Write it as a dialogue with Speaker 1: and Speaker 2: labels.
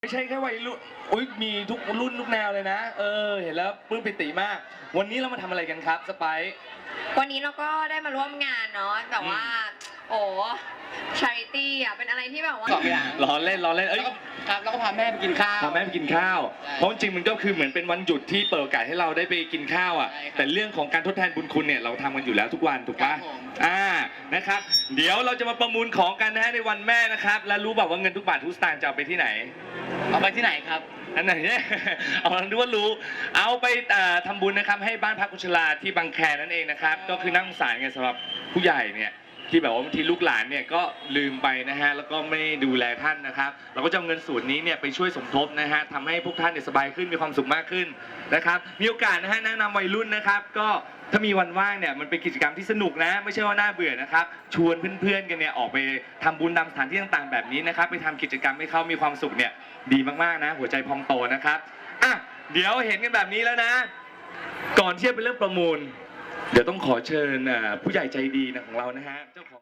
Speaker 1: ไม่ใช่แค่วัยรุ่นอุ้ยมีทุกรุ่นทุกแนวเลยนะเห็นแล้วปลื้มปิติมากวันนี้เรามาทำอะไรกันครับสไปซ์
Speaker 2: วันนี้เราก็ได้มาร่วมงานเนาะแต่ว่าโอ้ชาริตี้อ่ะเป็นอะไรที่แบบว่า
Speaker 1: ล้อเล่นเอ้ย
Speaker 3: ครับแล้วก็พาแม่ไปกินข้าว
Speaker 1: พาแม่ไปกินข้าวเพราะจริงมันก็คือเหมือนเป็นวันหยุดที่เปิดโอกาสให้เราได้ไปกินข้าวอ่ะแต่เรื่องของการทดแทนบุญคุณเนี่ยเราทำกันอยู่แล้วทุกวันถูกปะนะครับเดี๋ยวเราจะมาประมูลของกันนะฮะในวันแม่นะครับและรู้แบบว่าเงินทุกบาททุกสตางค์จะเอาไปที่ไหน
Speaker 3: เอาไปที่ไหนครับ
Speaker 1: อันไหนเนี่ยเอาดูว่ารู้เอาไปทำบุญนะครับให้บ้านพักคนชราที่บางแคนั่นเองนะครับก็คือนั่งสารไงสำหรับผู้ใหญ่เนี่ยที่แบบว่าบางทีลูกหลานเนี่ยก็ลืมไปนะฮะแล้วก็ไม่ดูแลท่านนะครับเราก็จะเอาเงินส่วนนี้เนี่ยไปช่วยสมทบนะฮะทำให้พวกท่านเนี่ยสบายขึ้นมีความสุขมากขึ้นนะครับมีโอกาสนะฮะแนะนำวัยรุ่นนะครับก็ถ้ามีวันว่างเนี่ยมันเป็นกิจกรรมที่สนุกนะไม่ใช่ว่าน่าเบื่อนะครับชวนเพื่อนๆกันเนี่ยออกไปทำบุญตามสถานที่ต่างๆแบบนี้นะครับไปทำกิจกรรมให้เขามีความสุขเนี่ยดีมากๆนะหัวใจพองโตนะครับเดี๋ยวเห็นกันแบบนี้แล้วนะก่อนที่จะไปเริ่มประมูลเดี๋ยวต้องขอเชิญผู้ใหญ่ใจดีนะของเรานะฮะเจ้าของ